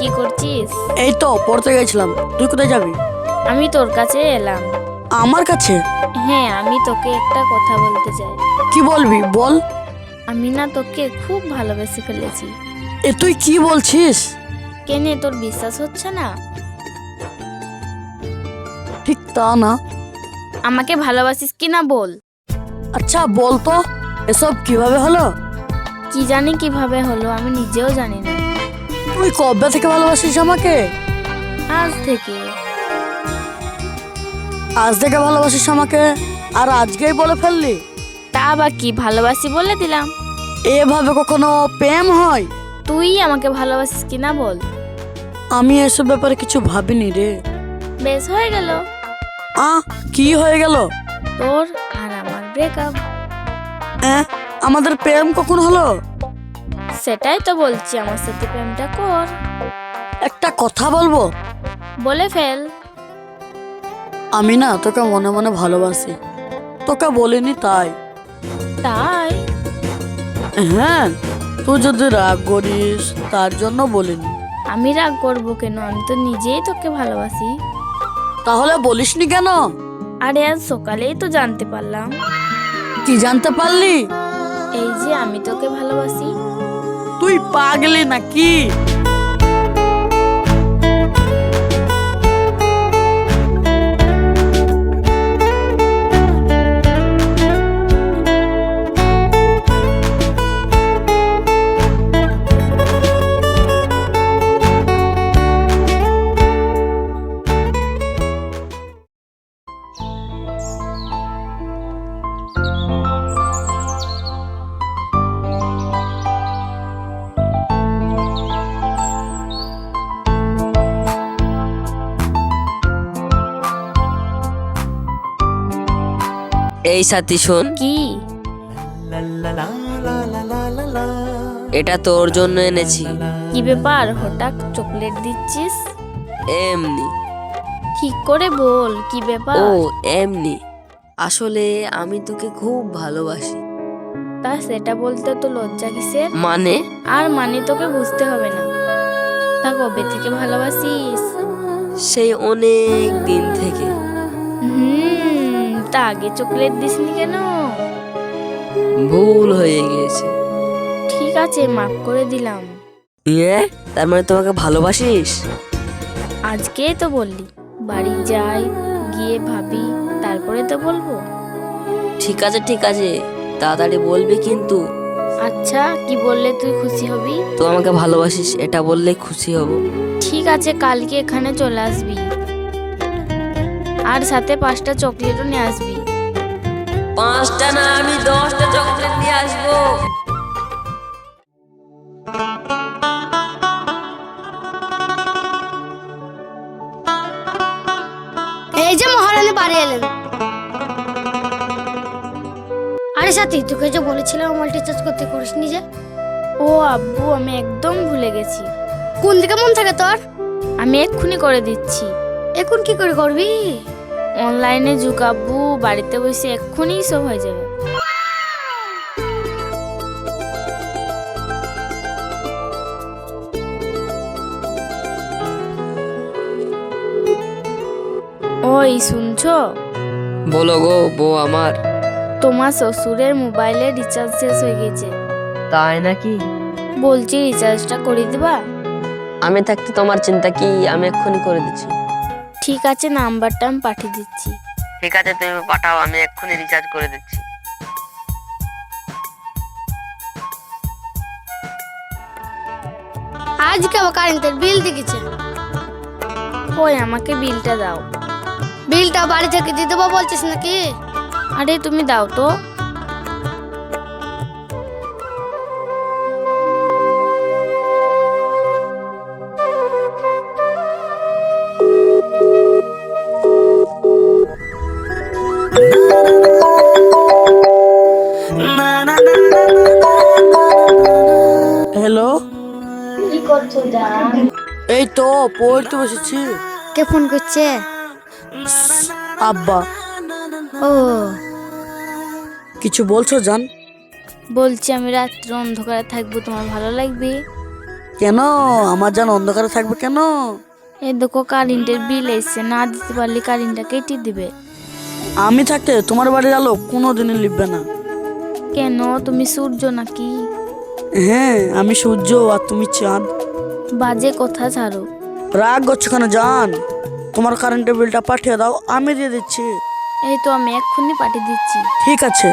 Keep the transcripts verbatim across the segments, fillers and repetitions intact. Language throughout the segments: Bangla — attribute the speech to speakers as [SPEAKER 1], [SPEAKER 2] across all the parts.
[SPEAKER 1] কি করছিস?
[SPEAKER 2] এই তো পড়তে গেছিলাম। তুই কোথায় যাবি?
[SPEAKER 1] আমি তোর কাছে এলাম।
[SPEAKER 2] আমার কাছে?
[SPEAKER 1] হ্যাঁ, আমি তোকে একটা কথা বলতে চাই।
[SPEAKER 2] কি বলবি বল।
[SPEAKER 1] আমি না তোকে খুব ভালোবেসে ফেলেছি।
[SPEAKER 2] এ তুই কি বলছিস?
[SPEAKER 1] কেনে তোর বিশ্বাস হচ্ছে না?
[SPEAKER 2] ঠিক তা না।
[SPEAKER 1] আমাকে ভালোবাসিস কি না বল।
[SPEAKER 2] আচ্ছা বল তো, এসব কিভাবে হলো?
[SPEAKER 1] কি জানি কিভাবে হলো, আমি নিজেও জানি না।
[SPEAKER 2] তুই কবে থেকে ভালোবাসিস আমাকে?
[SPEAKER 1] আজ থেকে।
[SPEAKER 2] আজ থেকে ভালোবাসিস আমাকে, আর আজকেই বলে ফেললি?
[SPEAKER 1] তা বা কি, ভালোবাসি বলে দিলাম।
[SPEAKER 2] এভাবে কখনো প্রেম হয়?
[SPEAKER 1] তুই আমাকে ভালোবাসিস কি না বল।
[SPEAKER 2] আমি এসব ব্যাপারে কিছু ভাবিনি রে।
[SPEAKER 1] বেশ, হয়ে গেল।
[SPEAKER 2] আ কি হয়ে গেল?
[SPEAKER 1] তোর আর আমার ব্রেকআপ।
[SPEAKER 2] আমাদের প্রেম কখন হলো?
[SPEAKER 1] সেটাই তো বলছি, আমার সাথে প্রেমটা কর।
[SPEAKER 2] একটা কথা বলবো?
[SPEAKER 1] বলে ফেল।
[SPEAKER 2] আমি না তোকে মনে মনে ভালোবাসি, তোকে বলিনি তাই।
[SPEAKER 1] তাই?
[SPEAKER 2] হ্যাঁ, তুই যদি রাগ করিস তার জন্য বলিনি।
[SPEAKER 1] আমি রাগ করবো কেন? আমি তো নিজেই তোকে ভালোবাসি।
[SPEAKER 2] তাহলে বলিসনি কেন?
[SPEAKER 1] আরে আজ সকালেই তো জানতে পারলাম।
[SPEAKER 2] কি জানতে পারলি?
[SPEAKER 1] এই যে আমি তোকে ভালোবাসি।
[SPEAKER 2] তুই পাগলি নাকি?
[SPEAKER 3] এই সাথী শোন,
[SPEAKER 1] কি?
[SPEAKER 3] এটা তোর জন্য এনেছি।
[SPEAKER 1] কি ব্যাপার, হঠাৎ চকলেট দিচ্ছিস?
[SPEAKER 3] এমনি।
[SPEAKER 1] ঠিক করে বল, কি ব্যাপার?
[SPEAKER 3] ও এমনি, আসলে আমি তোকে খুব ভালোবাসি।
[SPEAKER 1] তা সেটা বলতে তো লজ্জা কিসের?
[SPEAKER 3] মানে?
[SPEAKER 1] আর মানে তোকে বুঝতে হবে না। তা কবে থেকে ভালোবাসিস?
[SPEAKER 3] সেই অনেক দিন থেকে।
[SPEAKER 1] হুম, তা আগে চকলেট দিসনি কেন?
[SPEAKER 3] ভুল হয়ে গিয়েছে।
[SPEAKER 1] ঠিক আছে, মাফ করে দিলাম।
[SPEAKER 3] ইয়ে, তার মানে তোমাকে ভালোবাসিস?
[SPEAKER 1] আজকেই তো বললি। বাড়ি যাই, গিয়ে ভাবি, তারপরে তো বলবো।
[SPEAKER 3] ঠিক আছে ঠিক আছে, তাড়াতাড়ি বলবি কিন্তু।
[SPEAKER 1] আচ্ছা, কি বললে তুই খুশি হবি?
[SPEAKER 3] তো আমাকে ভালোবাসিস এটা বললে খুশি হব।
[SPEAKER 1] ঠিক আছে, কালকে এখানে চলে আসবি, আর সাথে পাঁচটা চকলেটও নিয়ে আসবি।
[SPEAKER 3] পাঁচটা না, আমি দশটা চকলেট নিয়ে আসবো।
[SPEAKER 4] এই যে মহারানী বাড়ি এলেন। আরে সাথী, তোকে যে বলেছিলাম মাল্টি-চার্জ করতে, করিসনি যে?
[SPEAKER 1] ও আব্বু, আমি একদম ভুলে গেছি।
[SPEAKER 4] কোন দিকে মন থাকে তোর?
[SPEAKER 1] আমি এক্ষুনি করে দিচ্ছি।
[SPEAKER 4] এখন কি করে করবি?
[SPEAKER 1] অনলাইনে যুগ আব্বু, বাড়িতে বসে এক্ষুনি সব হয়ে যাবে। ওই শুনছো?
[SPEAKER 3] বলো গো বউ আমার।
[SPEAKER 1] তোমার শ্বশুরের মোবাইলে রিচার্জ শেষ হয়ে গেছে।
[SPEAKER 3] তাই নাকি?
[SPEAKER 1] বলছি রিচার্জটা করে দিবা?
[SPEAKER 3] আমি থাকতে তোমার চিন্তা কি, আমি এক্ষুনি করে দিচ্ছি।
[SPEAKER 1] ঠিক আছে, নাম্বারটা আমি পাঠিয়ে দিচ্ছি।
[SPEAKER 3] ঠিক আছে, তুমি পাঠাও, আমি এক্ষুনি রিচার্জ করে দিচ্ছি।
[SPEAKER 4] আজকে আবার কারেন্টের বিল দেখেছে।
[SPEAKER 1] ওই আমাকে বিলটা দাও।
[SPEAKER 4] বিলটা বাড়ি থেকে দিয়ে দেবো বলছিস নাকি?
[SPEAKER 1] আরে তুমি দাও তো।
[SPEAKER 2] হ্যালো,
[SPEAKER 1] কি করছো জান?
[SPEAKER 2] এই তো পড়তে বসেছি।
[SPEAKER 4] কে ফোন করছে?
[SPEAKER 2] আব্বা।
[SPEAKER 4] ও,
[SPEAKER 2] কিছু বলছো জান?
[SPEAKER 1] বলছি আমি রাত্রে অন্ধকারে থাকবো, তোমার ভালো লাগবে?
[SPEAKER 2] কেন আমার জান অন্ধকারে থাকবে কেন?
[SPEAKER 1] এই দেখো কারেন্টের বিল এসছে, না দিতে পারলে কারেন্টটা কেটে দিবে।
[SPEAKER 2] আমি থাকতে তোমার বাড়ির আলো কোনোদিনই লিখবে না।
[SPEAKER 1] কেন, তুমি সূর্য নাকি?
[SPEAKER 2] হ্যাঁ আমি সূর্য আর তুমি চাঁদ।
[SPEAKER 1] বাজে কথা ছাড়ো।
[SPEAKER 2] রাগ করছো কেন জান? তোমার কারেন্টের বিলটা পাঠিয়ে দাও, আমি দিয়ে দিচ্ছি।
[SPEAKER 1] এই তো আমি এক্ষুনি পাঠিয়ে দিচ্ছি।
[SPEAKER 2] ঠিক আছে।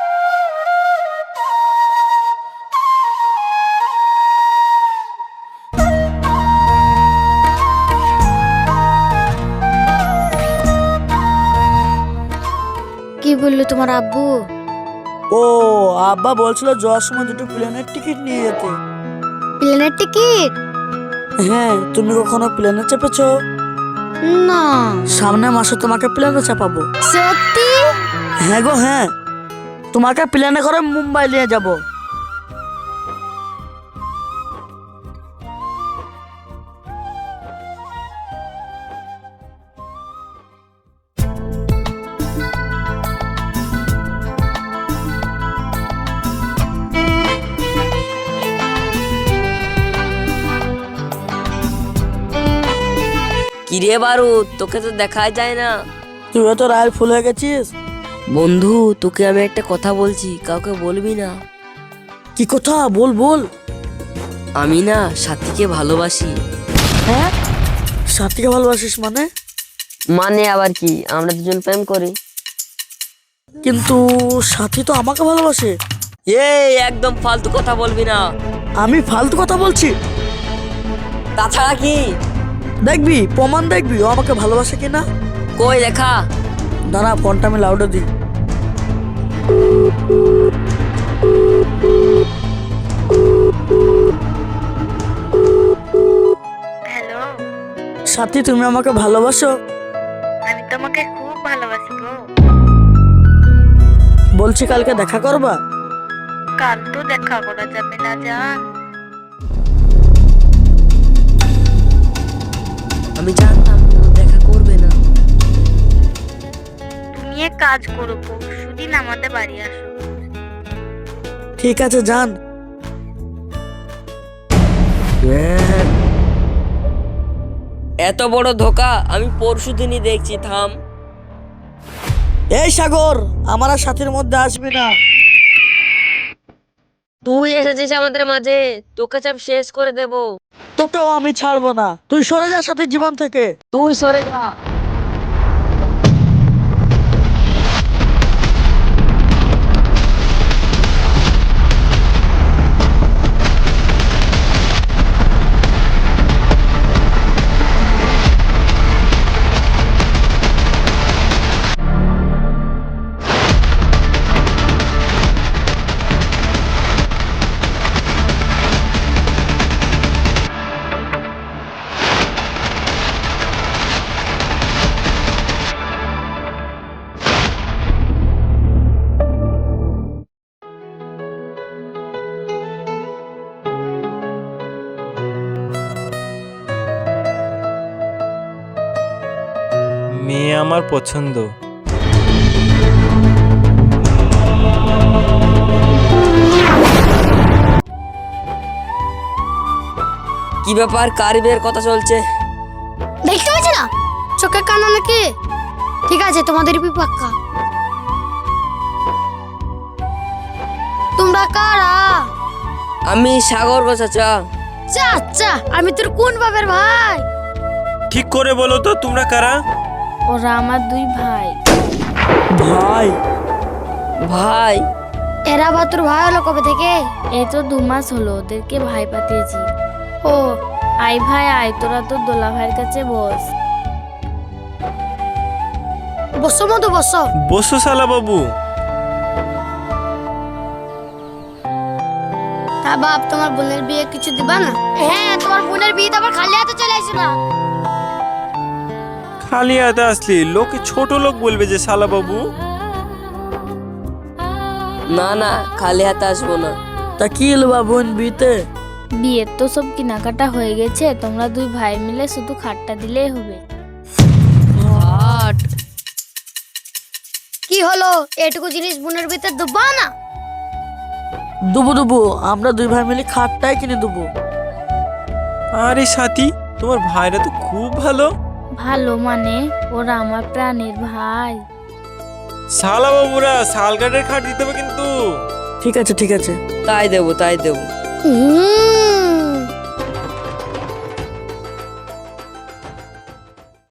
[SPEAKER 4] কি বললো তোমার আব্বু?
[SPEAKER 2] ও আব্বা বলছিল যাওয়ার সময় দুটো প্লেনের টিকিট নিয়ে যেতে।
[SPEAKER 4] প্লেনের টিকিট?
[SPEAKER 2] হ্যাঁ, তুমি কখনো প্লেনে চেপেছো?
[SPEAKER 4] না।
[SPEAKER 2] সামনের মাসে তোমাকে প্লেনে চাপাবো।
[SPEAKER 4] সত্যি?
[SPEAKER 2] হ্যাঁ গো হ্যাঁ, তোমাকে প্লেনে করে মুম্বাই নিয়ে যাব।
[SPEAKER 3] কিরে বারুদ, তোকে তো দেখাই যায় না।
[SPEAKER 2] তুই তো রায়ের ফুল হয়ে গেছিস।
[SPEAKER 3] বন্ধু, তোকে আমি একটা কথা বলছি, কাউকে বলবি না।
[SPEAKER 2] কি কথা? বল বল।
[SPEAKER 3] আমি না সাথীকে ভালোবাসি।
[SPEAKER 2] হ্যাঁ, সাথীকে ভালোবাসিস মানে?
[SPEAKER 3] মানে আবার কি, আমরা দুজন প্রেম করি।
[SPEAKER 2] কিন্তু সাথী তো আমাকে ভালোবাসে।
[SPEAKER 3] এই একদম ফালতু কথা বলবি না।
[SPEAKER 2] আমি ফালতু কথা বলছি?
[SPEAKER 3] তাছাড়া কি?
[SPEAKER 2] দেখবি, প্রমাণ দেখবি ও আমাকে ভালোবাসে কিনা।
[SPEAKER 3] কই দেখা।
[SPEAKER 2] দাঁড়া, ফোনটা আমি লাউডে দিই।
[SPEAKER 1] হ্যালো,
[SPEAKER 2] সাথী তুমি আমাকে ভালোবাসো?
[SPEAKER 1] আমি তোমাকে খুব ভালোবাসি গো।
[SPEAKER 2] বলছি কালকে দেখা করবা?
[SPEAKER 1] কাল তো দেখা করা যাবে না জান।
[SPEAKER 3] আমি জানতাম ও দেখা করবে না।
[SPEAKER 1] তুমি এক কাজ করো, পরশুদিন আমাদের বাড়ি আসো।
[SPEAKER 2] ঠিক আছে যান।
[SPEAKER 3] এত বড় ধোকা আমি পরশু দিনই দেখছি। থাম।
[SPEAKER 2] এই সাগর, আমার আর সাথীর মধ্যে আসবি না।
[SPEAKER 3] তুই এসেছিস আমাদের মাঝে, তোকে চাপ শেষ করে দেব।
[SPEAKER 2] তোকেও আমি ছাড়বো না। তুই সরে যা সাথীর জীবন থেকে।
[SPEAKER 3] তুই সরে যা।
[SPEAKER 5] মেয়ে আমার পছন্দ।
[SPEAKER 3] কি ব্যাপার, কার বিয়ের কথা চলছে?
[SPEAKER 4] দেখতে পাচ্ছি না, চোখে কানা নাকি? ঠিক আছে, তোমাদের পাক্কা। তোমরা কারা?
[SPEAKER 3] আমি সাগর গো চাচা।
[SPEAKER 4] চাচা? আমি তোর কোন বাপের ভাই?
[SPEAKER 5] ঠিক করে বলো তো তোমরা কারা?
[SPEAKER 1] ওরা আমার দুই ভাই।
[SPEAKER 2] ভাই?
[SPEAKER 3] ভাই?
[SPEAKER 4] এরা বা তোর ভাই হলো কবে থেকে?
[SPEAKER 1] এই তো দু মাস হলো ওদেরকে ভাই পাঠিয়েছি। ও আই ভাই আয়, তোরা তো দোলা ভাইয়ের কাছে বস।
[SPEAKER 4] বসো মধু, বসো।
[SPEAKER 5] বসো শালা বাবু।
[SPEAKER 4] তা বাপ, তোমার বোনের বিয়ে কিছু দিবা না? হ্যাঁ, তোমার বোনের বিয়ে তো আবার খালি হাতে চলে আসে না।
[SPEAKER 5] খালি হাতে আসলি লোকে ছোট লোক বলবে যে শালা বাবু।
[SPEAKER 3] না না, খালি হাতে আসবো না।
[SPEAKER 2] তা কি এলো বোন বিয়েতে?
[SPEAKER 1] বিয়ের তো সব কেনাকাটা হয়ে গেছে, তোমরা দুই ভাই মিলে শুধু খাটটা দিলেই হবে।
[SPEAKER 3] হাট।
[SPEAKER 4] কি হলো, এটুকু জিনিস বোনের বিয়েতে দেবা না?
[SPEAKER 2] দুবো দুবো, আমরা দুই ভাই মিলে খাটটাই কিনে দেবো।
[SPEAKER 5] আরে সাথী, তোমার ভাইরা তো খুব ভালো।
[SPEAKER 1] ভালো মানে ওরা আমার প্রাণের ভাই।
[SPEAKER 5] শালা বাবুরা শাল কাঠের খাট দিতে হবে কিন্তু।
[SPEAKER 2] ঠিক আছে ঠিক আছে।
[SPEAKER 3] তাই দেবো তাই দেবো।
[SPEAKER 4] হুম